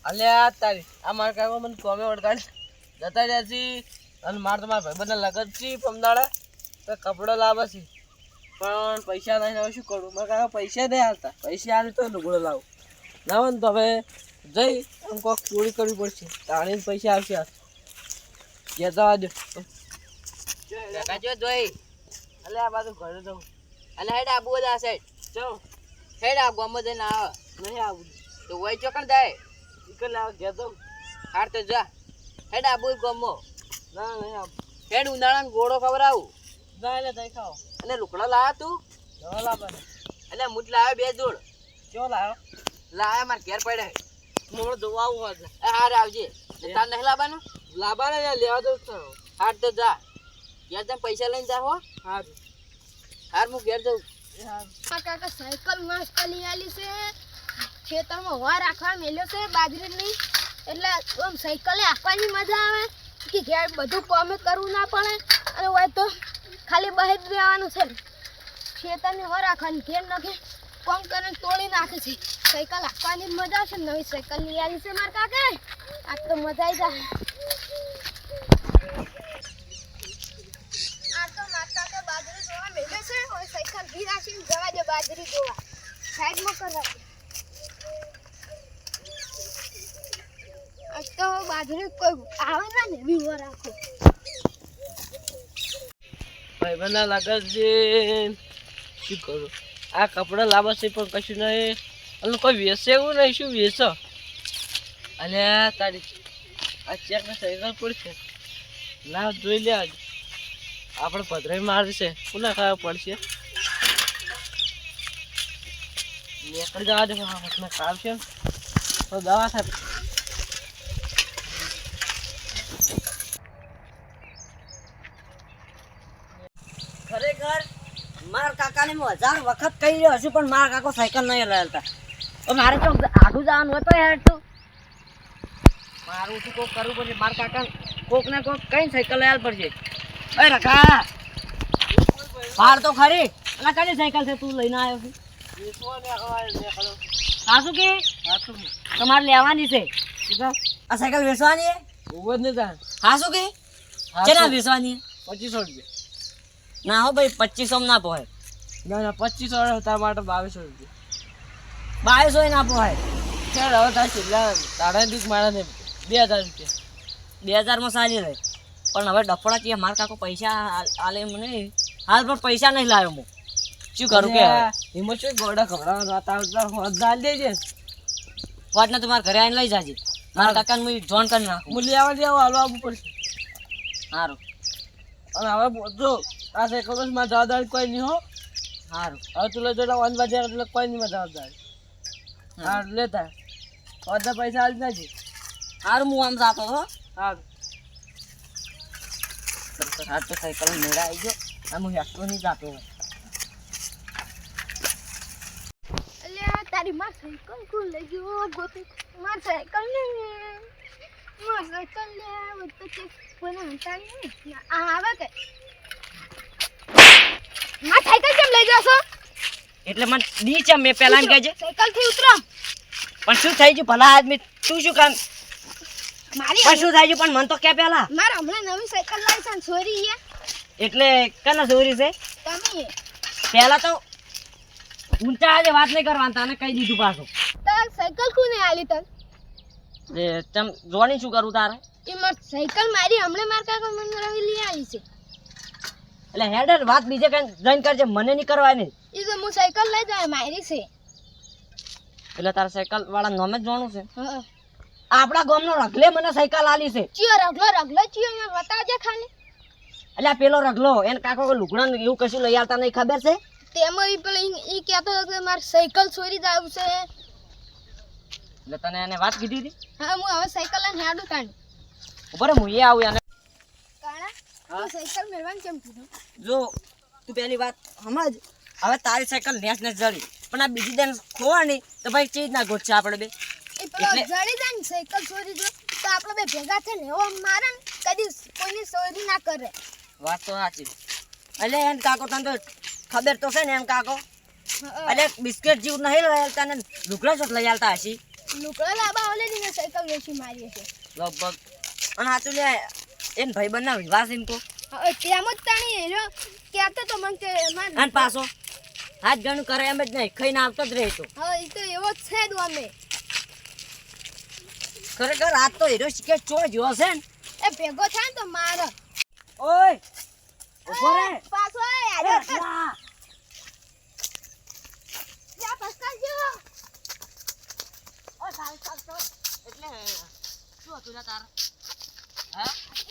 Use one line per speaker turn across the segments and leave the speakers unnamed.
અલ્યા તારી આ મારા કાકો મને કોમે ઓળખાડ જતા રહ્યા છે અને મારે તો મારા ભાઈબંધના લગન છે પમદાડા તો કપડો લાવે છે પણ પૈસા નહીં હવે શું કરું મારા કાકા પૈસા નહીં હાલતા પૈસા હાલે તો લુગડો લાવું લાવો ને તો હવે જઈ આમ કોઈક ચોરી કરવી પડશે તાણીને પૈસા આવશે આ ઘેર જવા દો
કાકા જો જોઈ
અલ્યા આ બાજુ ઘરે જવું
અને હેડ આબુ બધા સાઈડ
જાઉં
હેડ આ ગોમો જઈને આવ
નહીં આવું
તો વઈ ચોકણ જાય
નીકળ લાવ ઘેર જવું
હાર તો જા હેડ આબુ ગોમો
ના નહીં આવું
હેડ ઉનાળાનો ગોળો ખવડાવું
ના એટલે તઈ ખાઓ
અને લુકડા લાયા તું
દવા લાવવાનો
એટલે મૂઠ લાવ્યો 2 જોડ
ચો લાવ્યો
લાયા માર ઘેર પડે
મોડો જોવા આવું હોય
હાર આવજે તાર નહીં લાવવાનું
લાવવાને લેવા દઉં તો
હાર તો જા ઘેર જઈને પૈસા લઈને જા હો
હા
હાર હું ઘેર જઉં
કાકા સાયકલ મસ્ત લઈ આલી છે ખેતરમાં વાર રાખવા મેલ્યો છે બાજરી નહીં એટલે આમ સાયકલે આપવાની મજા આવે કે ઘેર બધું કામ કરવું ના પડે અને હોય તો ખાલી બહાર જ રહેવાનું છે ખેતરની વાર રાખવાની ઘેર નાખે કામ કરીને તોડી નાખે છે સાયકલ આપવાની મજા આવશે નવી સાયકલ લઈ આલી છે મારા કાકા આજ તો મજા આવી જાય આ તો મારા કાકા બાજરી જોવા મેલ્યો છે હવે સાયકલ ઘી રાખીને જવા દે બાજરી જોવા સાઈડમાં કરવા દે આજ તો બાજરી કોઈ આવે ના ને એવી વાર રાખો
ભાઈબંધના લગન છે શું કરું આ કપડાં લાવે છે પણ કશું નહીં અને કોઈ વેચે એવું નહીં શું વેચો અલ્યા તારી આ ચેકને સાયકલ પડશે ના જોઈ લે આજે આપણે પધરાઈ મારશે કોના ખાવા પડશે નીકળી જવા દે હાથમાં કામ છે તો દવા થાય
ખરેખર મારા કાકાને હું 1000 વખત કહી રહ્યો છું પણ મારા કાકો સાયકલ નહીં લાવતા તો મારે તો આઘું જવાનું હોય તો યાર તું મારું શું કોક કરવું પડશે મારા કાકા કોક ને કોક કઈ સાયકલ લાવ પડશે એ રખા ફાળ તો ખરી અને કઈ સાયકલ છે તું લઈને આવ્યો છું સાસુ કે તમારે લેવાની છે આ સાયકલ વેચવાની છે
ઉભો જ નહીં થાય
સાસુ કે કેના વેચવાની
2500 રૂપિયા
ના હો ભાઈ 2500 ના પોહાય
ના ના 2500 તારા માટે 2200 રૂપિયા
2200 ના પોહાય
ચાલ હવે તાર કેટલા તારા દીક મારા ને 2000 રૂપિયા
2000 માં સારી રહે પણ હવે ડફડા કે મારા કાકો પૈસા આલે મને હાલ પણ પૈસા નહીં લાવ્યો હું શું કરું કે
હિંમત છે ગોડા ખવડાવવાનો તાર હોદ દાલ દેજે
વાટને તમારા ઘરે આવીને લઈ જાજે મારા કાકાને હું જોન કરી નાખું
મૂલ્ય આવા હાલવા આવવું પડશે
સારું
અને હવે જો આ સાયકલ માં જવાબદારી કોઈ નહીં હો
સારું
હવે તું લઈ જોડા 1 બજાર એટલે કોઈ નહીં જવાબદારી હા લેતા બધા પૈસા આલી નાખી
સારું હું આમ જાતો હો
હા
હાથ તો સાયકલ મેળા આવી ગયો આમ હું હેઠતો નહીં જાતો
અલ્યા તારી માં સાયકલ કોણ લઈ ગયો ગોતે માર સાયકલ ને માર સાયકલ લે તો તે કોને હંતા નહીં આ આવે કે માર સાયકલ કેમ લઈ જાશો
એટલે મને નીચે મેં પહેલા એમ કહેજે
સાયકલ થી ઉતરો
પણ શું થઈ ગયું ભલા આદમી તું શું કામ
મારી
પણ શું થઈ ગયું પણ મને તો કે પહેલા
માર હમણાં નવી સાયકલ લાવી છે છોરી છે
એટલે કના ચોરી છે
તમે
પહેલા તો ઊંચા આજે વાત નહીં કરવાની તને કહી દીધું પાછું
તાર સાયકલ કોને આલી તન
એ તમ જોણી શું કરું તારે
એ માર સાયકલ મારી હમણાં માર કાકા મને રવી લઈ આલી છે
એટલે હેડર વાત બીજે કઈ જઈને કરજે મને નહીં કરવાની
એ તો હું સાયકલ લઈ જાય મારી છે
એટલે તારા સાયકલ વાળા નામે જ જોણું છે
હા
આપણા ગામનો રગલે મને સાયકલ આલી છે
ચિયો રગલો ચિયો અહીંયા બતાવજે ખાલી
એટલે આ પેલો રગલો એને કાકો લુગડા એવું કશું લઈ આવતા નહીં ખબર છે
તેમાં ઈ પેલો ઈ કહેતો હતો કે માર સાયકલ ચોરી જાવ છે
એટલે તને એને વાત કીધી હતી
હા હું હવે સાયકલ લઈને હેડું કાઢી
ઉપર હું એ આવું એને
કાણા સાયકલ મેળવાનું કેમ કીધું
જો તું પેલી વાત સમજ હવે તારી સાયકલ નેસ જડી પણ આ બીજી દિન ખોવાની તો ભાઈ ચીજ ના ગોઠશે આપણે બે
એ પેલો જડી જાય ને સાયકલ ચોરી જો તો આપણે બે ભેગા થઈને એવો મારે ને કદી કોઈની ચોરી ના કરે
વાત તો સાચી એટલે એમ કાકો તને તો ખબર તો છે ને એમ કાકો એટલે બિસ્કિટ જેવું નહીં લઈ આવતા ને લુગડા ચોટ લઈ આવતા હશી
લુકડા લાંબા ઓલે ને સાયકલ વેચી મારી છે
લગભગ અને હાચું લે એન ભાઈબંધ ના વિવાહ છે એમ તો
હવે તેમ જ તાણી હેરો કહેતો તો મને કે
અને પાછો હાથ ગણું કરે એમ જ નહીં ખાઈને આવતો જ રહે તો
હવે એ તો એવો જ છે જ અમે
ખરેખર આજ તો હીરો શીખે ચો જ્યો છે ને
એ ભેગો થાય ને તો મારે
ઓય ઉભો રે
પાછો
અરે,
યાર
લા.
જા પસ્કા જો
ઓ ચાલ ચાલ ચાલ એટલે શું હતું લા તાર હા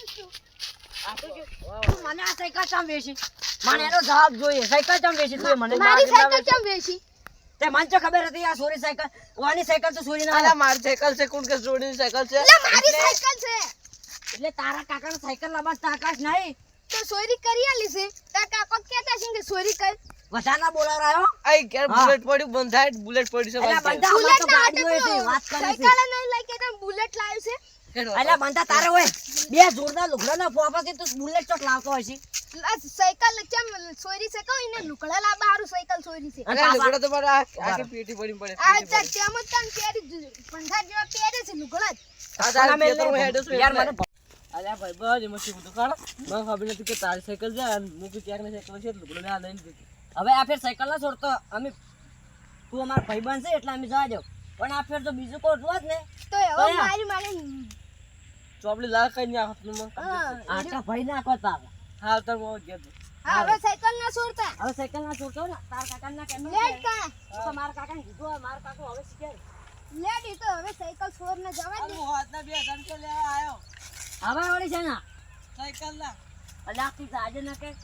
આ તો જો તું મને આ સાયકલ ચમ વેચી મને એનો જવાબ જોઈએ સાયકલ ચમ વેચી તું એ મને
મારી
ના
સાયકલ કેમ વેચી
તે મને તો ખબર હતી આ સોરી સાયકલ વાની સાયકલ તો સોરી ના
અલા મારી સાયકલ છે કોણ કે જોડીની સાયકલ છે
એટલે મારી સાયકલ છે
એટલે તારા કાકાનો સાયકલ લાવવા તાકાશ નહીં
તો ચોરી કરી આલી છે તાર કાકો કહેતા છે કે ચોરી કર
વધાના બોલાવરાયો
આઈ ઘેર
હા.
બુલેટ પડ્યું બંધ થાય બુલેટ પડ્યું છે
અલા
મારી
બંધા અમાર તો
બુલેટ ના
ગાડીઓ છે વાત કરે છે
સાયકલ નહીં લઈ કે તને બુલેટ લાવ્યું છે
ઘેર.
અલા બંધા તારે હોય બે જોરદાર લુગડાના ફોફાથી તું બુલેટ ચોટ લાવતો હોય છે
આ સાયકલ કેમ ચોરી છે કહો એને લુકડા લાંબા હારું સાયકલ ચોરી છે
અને
અલા
પાપા-
લુગડા તો મારા આખી પેટી પડી પડે
આ
પેટી
તાર
પડી.
તેમ જ તને પહેરી પંખા જેવા પહેરે છે લુગડા જ
આ તારા
મેલ
ખેતરમાં હેડે છે
યાર
એટલે.
મને
અલ્યા ભાઈ બસ એમાં શું બધું કાઢો મને ખબર નથી કે તારી સાયકલ છે અને મૂકી ત્યાંની સાયકલ છે લુગડો લે આ લઈને દીધી
હવે આ ફેર સાયકલ ના છોડતો અમે તું અમાર ભાઈબંધ છે એટલે અમે જવા દો પણ આ ફેર તો બીજું કોઈ હોત ને
તો હવે
કયા?
મારી
ચોપડી લાલ કઈ નહીં આખો મને
હા
આટલા ભાઈ નાખો તારે
હાલ તાર મોં ઘેર દે.
હા, હવે સાયકલ ના છોડતા
હવે સાયકલ ના છોડતો ને તાર કાકા ના કેમ
લેટ કા
મારા કાકા ને કીધું મારા કાકો હવે શીખે
લેટ ઈ તો હવે સાયકલ છોડ ને જવા
આ
દે
હું હાથના 2000 રૂપિયા લેવા આવ્યો
હવે વળી છે ને
સાયકલ ના
અલ્યા તું આજે ના કે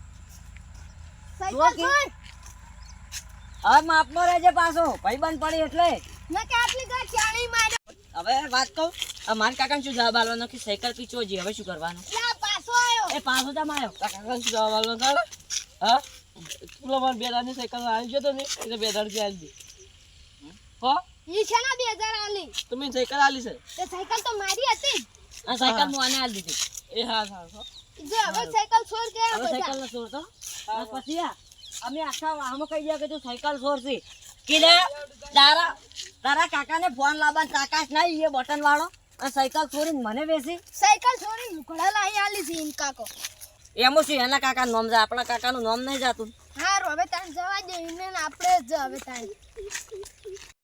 સાયકલ
જો કે-
છોડ
હવે માપમાં રહેજે પાછો ભાઈબંધ પડી એટલે
મેં કે આટલી ગા ચાણી માર્યો
હવે વાત કહું આ મારા કાકાને શું જવાબ આલવાનો કે સાયકલ પીચો જી હવે શું કરવાનું
લા પાછો આયો
એ પાછો જ આવ્યો
તારા કાકા શું જવા વાળો તારે હા પેલો મને 2000 ની સાયકલ આવી ગયો તો ને એટલે 2000 રૂપિયા આલી દે હો
ઈ છે ના 2000 આલી
તમે સાયકલ આલી છે
તે સાયકલ તો મારી હતી
આ સાયકલ હું આને આલી દીધી
એ હા હા હો.
જો હવે સાયકલ છોડ કે
હવે સાયકલ ના છોડતો અને પછી અમે આખા વાહમાં કહી ગયા કે તું સાયકલ છોડશી કે લે તારા કાકાને ફોન લાવવાનો તાકાશ નહીં એ બટન વાળો અને સાયકલ છોડીને મને બેસી
સાયકલ છોડી લુકડા લાઈ આલી છે ઇન કાકો
એમાં શું એના કાકાનું નામ જાય આપણા કાકાનું નામ નહીં જાતું
હારું હવે તાણ જવા દે ઇને આપણે જ હવે તાણ